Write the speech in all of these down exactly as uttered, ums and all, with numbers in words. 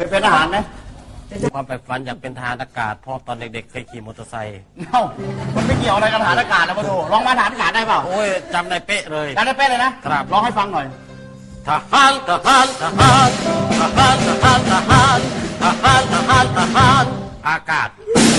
ยเป็นทหารไหมความใฝ่ฝันอยากเป็นทหารอากาศเพราะตอนเด็กๆเคยขี่มอเตอร์ไซค์เอ้ามันไม่เกี่ยวอะไรกับทหารอากาศนะมาดูลองมาทหารอากาศได้เปล่าโอ้ยจำได้เป๊ะเลยจำได้เป๊ะเลยนะครับลองให้ฟังหน่อยทหารทหารทหารทหารทหารทหารทหารทหารทหารอากาศ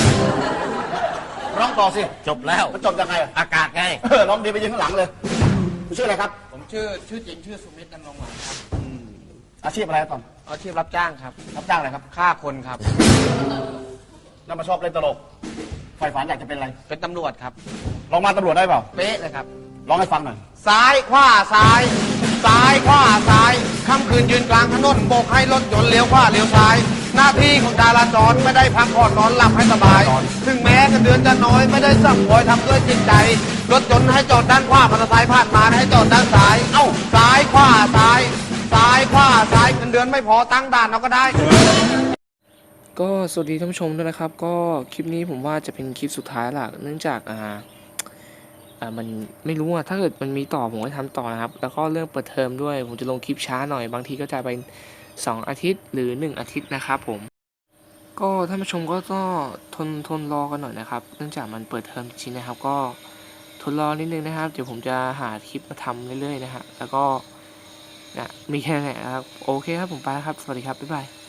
ร้องต่อสิจบแล้วมันจบยังไงอากาศไงเออร้องดีไปยืนข้างหลังเลยคุณชื่ออะไรครับผมชื่อชื่อจริงชื่อสุมิตรดำรงหวังครับอาชีพอะไรตอนอาชีพรับจ้างครับรับจ้างอะไรครับฆ่าคนครับแล้วมาชอบเล่นตลกใฝ่ฝันอยากจะเป็นอะไรเป็นตำรวจครับลองมาตำรวจได้เปล่าเป๊ะเลยครับร้องให้ฟังหน่อยซ้ายขวาซ้ายซ้ายขวาซ้ายค่ำคืนยืนกลางถนนโบกให้รถยนต์เลี้ยวขวาเลี้ยวซ้ายหน้าที่ของจราจรไม่ได้พักผ่อนนอนหลับให้สบายถึงแม้เงินเดือนจะน้อยไม่ได้สั่งคอยทำด้วยจิตใจรถยนต์ให้จอดด้านขวามอเตอร์ไซค์ผ่านมาให้จอดด้านซ้ายเอ้าซ้ายขวาซ้ายซ้ายขวาซ้ายเงินเดือนไม่พอตั้งด่านเราก็ได้ก็สวัสดีท่านผู้ชมด้วยนะครับก็คลิปนี้ผมว่าจะเป็นคลิปสุดท้ายละเนื่องจากอ่าอ่ามันไม่รู้อะถ้าเกิดมันมีต่อผมก็ทำต่อนะครับแล้วก็เรื่องเปิดเทอมด้วยผมจะลงคลิปช้าหน่อยบางทีก็จะเป็นสองอาทิตย์หรือหนึ่งอาทิตย์นะครับผมก็ท่านผู้ชมก็ต้องทนทนรอกันหน่อยนะครับเนื่องจากมันเปิดเทอมจริงๆนะครับก็ทนรอนิดนึงนะครับเดี๋ยวผมจะหาคลิปมาทำเรื่อยๆนะฮะแล้วก็นะมีแค่ไหนครับโอเคครับผมไปครับสวัสดีครับบ๊ายบาย